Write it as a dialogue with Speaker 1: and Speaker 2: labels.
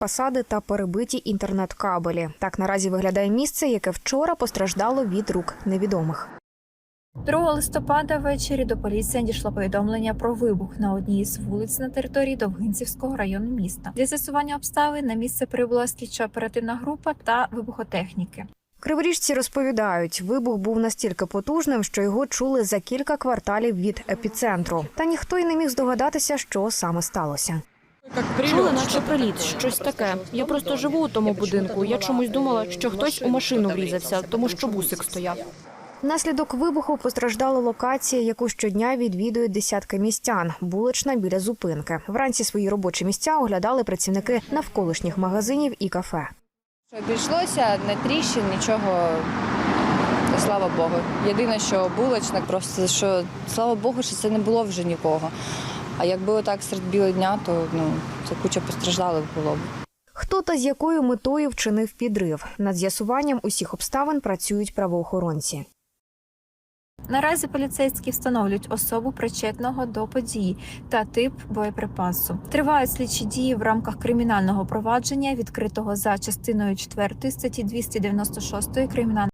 Speaker 1: фасади та перебиті інтернет-кабелі. Так наразі виглядає місце, яке вчора постраждало від рук невідомих.
Speaker 2: 2 листопада ввечері до поліції надійшло повідомлення про вибух на одній із вулиць на території Довгинцівського району міста. Для з'ясування обставин на місце прибула слідчо-оперативна група та вибухотехніки.
Speaker 1: Криворіжці розповідають, вибух був настільки потужним, що його чули за кілька кварталів від епіцентру. Та ніхто й не міг здогадатися, що саме сталося.
Speaker 3: Чули, наче приліт, щось таке. Я просто живу у тому будинку. Я чомусь думала, що хтось у машину врізався, тому що бусик стояв.
Speaker 1: Внаслідок вибуху постраждала локація, яку щодня відвідують десятки містян – вулична біля зупинки. Вранці свої робочі місця оглядали працівники навколишніх магазинів і кафе.
Speaker 4: Обійшлося, не тріщин, нічого, слава Богу. Єдине, що булочник, просто що, слава Богу, що це не було вже нікого. А якби отак серед білого дня, то це куча постраждалих було б.
Speaker 1: Хто та з якою метою вчинив підрив? Над з'ясуванням усіх обставин працюють правоохоронці.
Speaker 2: Наразі поліцейські встановлюють особу причетного до події та тип боєприпасу. Тривають слідчі дії в рамках кримінального провадження, відкритого за частиною 4 статті 296 Кримінального